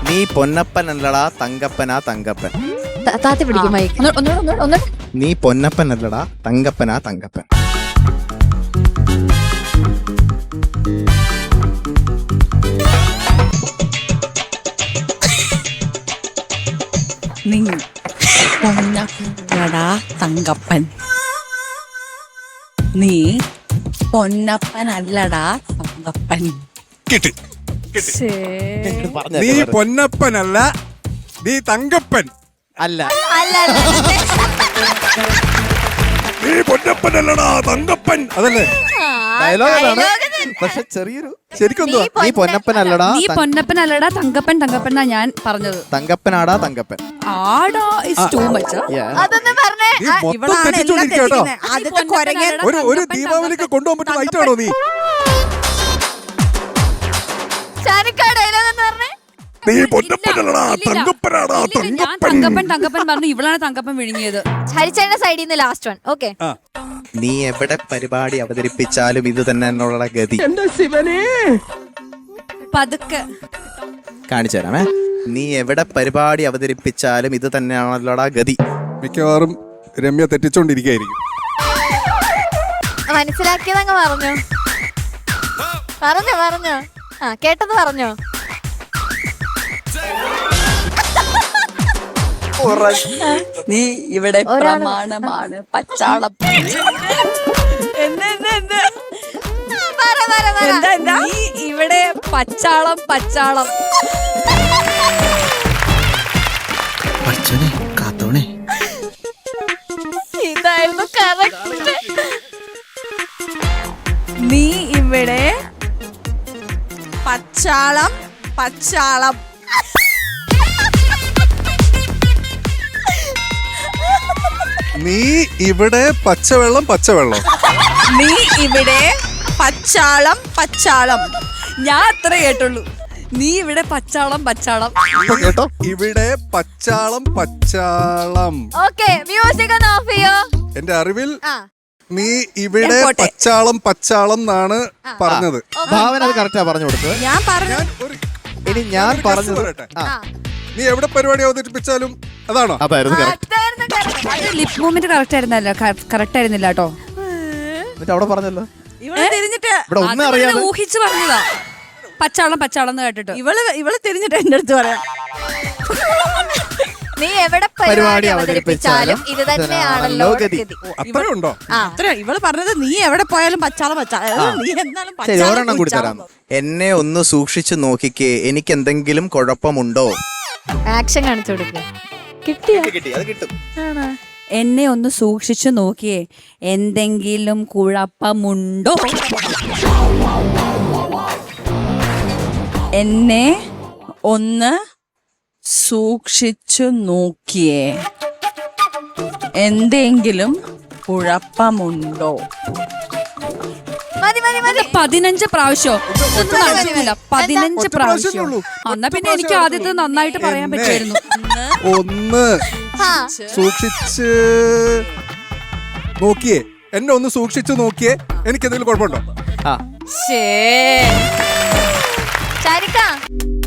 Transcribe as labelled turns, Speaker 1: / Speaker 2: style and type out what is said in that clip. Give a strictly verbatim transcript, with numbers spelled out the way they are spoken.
Speaker 1: നീ പൊന്നപ്പനല്ലടാ തങ്കപ്പനാ തങ്കപ്പൻ.
Speaker 2: താത്തി പിടിക്കും മൈക്ക്.
Speaker 1: നീ പൊന്നപ്പനല്ലടാ തങ്കപ്പനാ തങ്കപ്പൻ.
Speaker 3: നീ പൊന്നപ്പനല്ലടാ തങ്കപ്പൻ. നീ പൊന്നപ്പനല്ലടാ തങ്കപ്പൻ.
Speaker 4: കിട്ടി. നീ പൊന്നപ്പനല്ല, നീ തങ്കപ്പൻ.
Speaker 1: അല്ല
Speaker 4: നീ പൊന്നപ്പനല്ലടാ തങ്കപ്പൻ. അതല്ലേ
Speaker 1: ഡയലോഗാണ്, പക്ഷെ ചെറിയൊരു ശരിക്കും നീ പൊന്നപ്പനല്ലടാ
Speaker 3: നീ പൊന്നപ്പനല്ലടാ തങ്കപ്പൻ. തങ്കപ്പൻ എന്നാ ഞാൻ പറഞ്ഞത്.
Speaker 1: തങ്കപ്പനാടാ തങ്കപ്പൻ.
Speaker 3: ആടാ ഇസ് ടു മച്ച്.
Speaker 2: അതൊന്നും പറഞ്ഞേ.
Speaker 4: നീ മൊത്തം തെറ്റിച്ചോണ്ടിരിക്കട്ടോ. ഒരു ഒരു ദീപാവലിക്ക് കൊണ്ടുപോകാൻ പറ്റുന്ന ഐറ്റാണോ നീ? നീ പൊന്നപ്പനല്ലടാ തങ്കപ്പനാടാ തങ്കപ്പൻ.
Speaker 3: തങ്കപ്പൻ തങ്കപ്പൻ പറഞ്ഞു, ഇവളാണ് തങ്കപ്പൻ വിഴുങ്ങിയത്.
Speaker 2: ഹരിച്ചേട്ടന്റെ സൈഡിൽ നിന്ന് ലാസ്റ്റ് വൺ. ഓക്കെ.
Speaker 1: നീ എവിടെ പരിപാടി അവതരിപ്പിച്ചാലും ഇത് തന്നെ എന്നുള്ള ഗതി.
Speaker 3: പതുക്കെ
Speaker 1: കാണിച്ചു തരാമേ. നീ എവിടെ പരിപാടി അവതരിപ്പിച്ചാലും ഇത് തന്നെയാണല്ലോടാ ഗതി.
Speaker 4: മിക്കവാറും രമ്യ തെറ്റിച്ചോണ്ടിരിക്കായിരിക്കും.
Speaker 2: മനസ്സിലാക്കിയതങ്ങ് പറഞ്ഞോ പറഞ്ഞോ പറഞ്ഞോ ആ കേട്ടത് പറഞ്ഞോ.
Speaker 3: നീ ഇവിടെ പ്രമാണമാണ് പച്ചാളം. നീ ഇവിടെ പച്ചാളം പച്ചാളം.
Speaker 1: കാത്തോണേ.
Speaker 2: ഇതായിരുന്നു കറക്റ്റ്.
Speaker 3: നീ ഇവിടെ പച്ചാളം പച്ചാളം.
Speaker 4: നീ ഇവിടെ പച്ചവെള്ളം പച്ചവെള്ളം.
Speaker 3: നീ ഇവിടെ പച്ചാളം പച്ചാളം. ഞാൻ അത്ര കേട്ടുള്ളൂ. നീ ഇവിടെ പച്ചാളം പച്ചാളം.
Speaker 1: കേട്ടോ,
Speaker 4: ഇവിടെ പച്ചാളം പച്ചാളം.
Speaker 2: ഓക്കെ, മ്യൂസിക് ഒന്ന് ഓഫ് ചെയ്യോ.
Speaker 4: എന്റെ അറിവിൽ
Speaker 2: ആ
Speaker 4: നീ ഇവിടെ പച്ചാളം പച്ചാളം എന്നാണ് പറഞ്ഞത്.
Speaker 1: ഭാവന അത് കറക്റ്റാ പറഞ്ഞു കൊടുത്തത്.
Speaker 3: ഞാൻ പറഞ്ഞു.
Speaker 4: ഞാൻ ഒരു
Speaker 1: ഇനി ഞാൻ പറഞ്ഞു
Speaker 4: പറയട്ടെ. നീ എവിടെ പരിപാടി അവതരിപ്പിച്ചാലും അതാണോ?
Speaker 1: അതായിരുന്നു കറക്റ്റ്.
Speaker 2: അതായിരുന്നു correct.
Speaker 3: അത് ലിപ് മൂവ്മെന്റ് കറക്റ്റ് ആയിരുന്നല്ലോ. കറക്റ്റ് ആയിരുന്നില്ല കേട്ടോ.
Speaker 1: എന്നിട്ട് അവിടെ പറഞ്ഞല്ലോ
Speaker 3: ഇവള് തിരിഞ്ഞിട്ട്
Speaker 1: ഇവിടെ ഒന്നും അറിയാതെ
Speaker 3: ഊഹിച്ചു പറഞ്ഞതാ. പച്ചാളം പച്ചാളം എന്ന് കേട്ടിട്ട് ഇവള് ഇവള് തിരിഞ്ഞിട്ട് എന്റെ അടുത്ത് പറയാം.
Speaker 2: നീ എവിടെ പരിപാടി അവതരിപ്പിച്ചാലും ഇത് തന്നെയാണല്ലോ ഗതി.
Speaker 4: അത്രേ ഉണ്ടോ?
Speaker 3: അത്ര ഇവള് പറഞ്ഞത് നീ എവിടെ പോയാലും പച്ചാളം പച്ചാളം. നീ എന്നാലും
Speaker 1: ശരി, ഒരെണ്ണം കൂടി തരാം. എന്നെ ഒന്ന് സൂക്ഷിച്ചു നോക്കിക്കേ, എനിക്ക് എന്തെങ്കിലും കുഴപ്പമുണ്ടോ?
Speaker 2: ആക്ഷൻ കാണിച്ചു കൊടുക്കുക. കിട്ടിയോ?
Speaker 1: കിട്ടി, അത് കിട്ടും.
Speaker 3: എന്നെ ഒന്ന് സൂക്ഷിച്ചു നോക്കിയേ, എന്തെങ്കിലും കുഴപ്പമുണ്ടോ? എന്നെ ഒന്ന് സൂക്ഷിച്ചു നോക്കിയേ, എന്തെങ്കിലും കുഴപ്പമുണ്ടോ?
Speaker 2: മതി മതി മതി.
Speaker 3: പതിനഞ്ച് പ്രാവശ്യം പതിനഞ്ച് പ്രാവശ്യം. എന്നാ പിന്നെ എനിക്ക് ആദ്യത്തെ നന്നായിട്ട് പറയാൻ പറ്റുമായിരുന്നു.
Speaker 4: ഒന്ന് സൂക്ഷിച്ച് നോക്കിയേ, എന്നെ ഒന്ന് സൂക്ഷിച്ചു നോക്കിയേ, എനിക്ക് എന്തെങ്കിലും കുഴപ്പമുണ്ടോ?
Speaker 1: ആ
Speaker 2: ചാരിക്ക